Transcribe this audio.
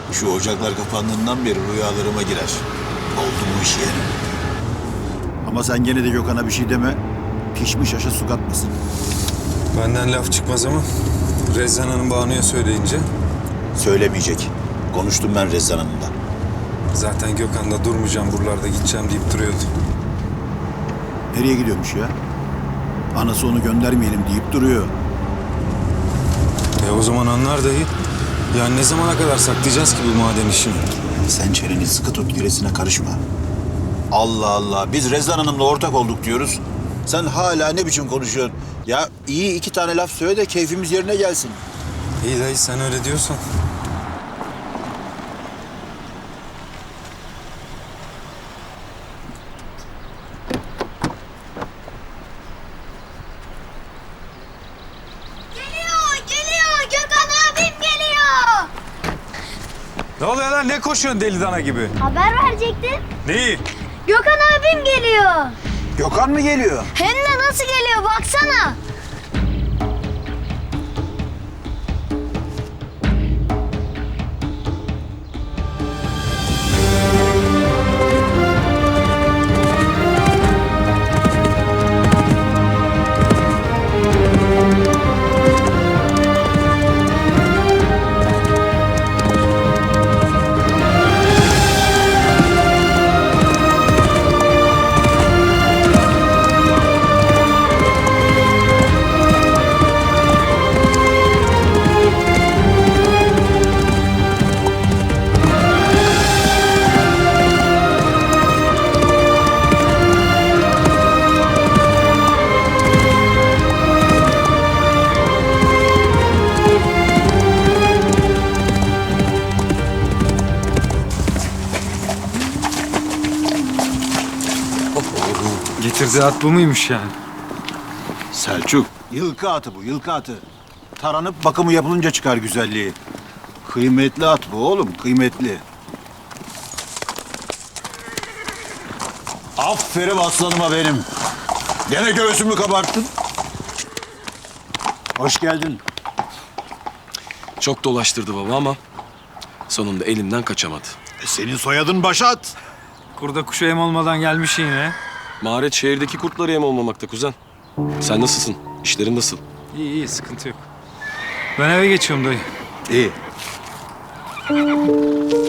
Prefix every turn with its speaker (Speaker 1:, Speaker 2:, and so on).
Speaker 1: Şu ocaklar kapandığından beri rüyalarıma girer. Oldu bu iş yani.
Speaker 2: Ama sen gene de Gökhan'a bir şey deme. Pişmiş aşa su katmasın.
Speaker 3: Benden laf çıkmaz ama Rezan Hanım Banu'ya söyleyince
Speaker 1: Söylemeyecek. Konuştum ben Rezzan Hanım'la.
Speaker 3: zaten Gökhan da durmayacağım buralarda gideceğim deyip duruyordu.
Speaker 2: Nereye gidiyormuş ya? Anası onu göndermeyelim deyip duruyor.
Speaker 3: O zaman anlar dayı. Yani ne zamana kadar saklayacağız ki bu maden işini?
Speaker 1: Sen çeneni sıkı tut, gerisine karışma. Allah Allah, biz Rezzan Hanım'la ortak olduk diyoruz. Sen hala ne biçim konuşuyorsun? Ya iyi iki tane laf söyle de keyfimiz yerine gelsin.
Speaker 3: İyi dayı sen öyle diyorsan.
Speaker 4: Geliyor. Gökhan abim geliyor.
Speaker 3: Ne oluyor lan? Ne koşuyorsun deli dana gibi?
Speaker 4: Haber verecektin.
Speaker 3: Neyi?
Speaker 4: Gökhan abim geliyor.
Speaker 2: Gökhan mı geliyor?
Speaker 4: Hem de nasıl geliyor baksana.
Speaker 3: Getirdiği at bu muymuş yani?
Speaker 2: Selçuk. Yılkı atı bu, yılkı atı. Taranıp bakımı yapılınca çıkar güzelliği. Kıymetli at bu oğlum, kıymetli. Aferin aslanıma benim. Gene göğsümü kabarttın. Hoş geldin.
Speaker 5: Çok dolaştırdı baba ama sonunda elimden kaçamadı.
Speaker 2: Senin soyadın Başat.
Speaker 6: Kurda kuşa yem olmadan gelmiş yine.
Speaker 5: Maharet şehirdeki kurtlara yem olmamakta kuzen. Sen nasılsın? İşlerin nasıl?
Speaker 6: İyi sıkıntı yok. Ben eve geçiyorum dayı.
Speaker 2: İyi.